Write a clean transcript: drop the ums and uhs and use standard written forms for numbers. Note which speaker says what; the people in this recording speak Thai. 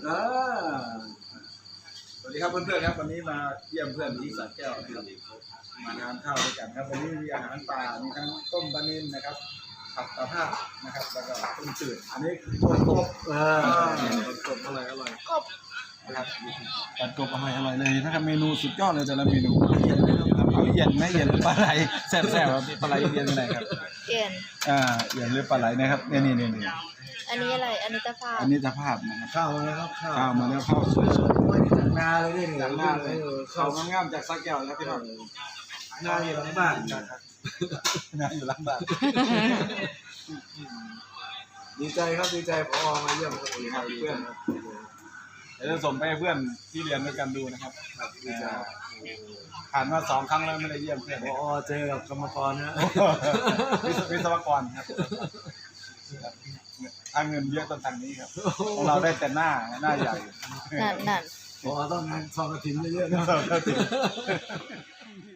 Speaker 1: สวัสดีครับเพื่อนๆครับวันนี้มาเยี่ยมเพื่อนที่สระแก้วนะครับมาทานข้าวด้วยกันครับวันนี้มีอาหารป่ามีทั้งต้มปลานิ่มนะครับผัดตะภาพนะครับแล้วก็ต้มจืดอันนี้กบกบอร่อย
Speaker 2: กบ
Speaker 1: นะครับผัดกบอร่อยเลยนะครับเมนูสุดยอดเลยแต่ละเมนูเอาเย็นไหมเย็นหรือปลาไหลแซ่บๆครับปลาไหลเย็นยังไงครับ
Speaker 2: เย็น
Speaker 1: เย็นหรือปลาไหลนะครับนี่
Speaker 2: อันนี้อะไรอันนี้ตะภาพ
Speaker 1: อันนี้ตะภาพนะครับ
Speaker 3: ข้าวมาแล้วครับ
Speaker 1: ข้าวมาแล้วข้าวสวย
Speaker 3: ๆจากนาเลยนี่
Speaker 1: จากหน้าเลยข้าวงามๆจากสระแก้วครับพี่น้อง
Speaker 3: นาอยู่หลังบ้าน
Speaker 1: นาอยู่หลังบ้าน
Speaker 3: ดีใจครับดีใจพอมาเยี่ยมคนอื่นครับเพื่อน
Speaker 1: เดี๋ยวจะส่งไปให้เพื่อนที่เรียนด้วยกันดูนะครับ
Speaker 3: ดีใจ
Speaker 1: ผ่านมา2 ครั้งแล้วไม่ได้เยี่ยมเพื่อน
Speaker 3: พอเจอกับกรรมกรนะ
Speaker 1: วิศวกรครับทางเงินเยอะต้นทางนี้ครับเราได้แต่หน้าใหญ่
Speaker 2: นั่น
Speaker 3: พอต้องงานซองกระถิ่นเยอะๆนะ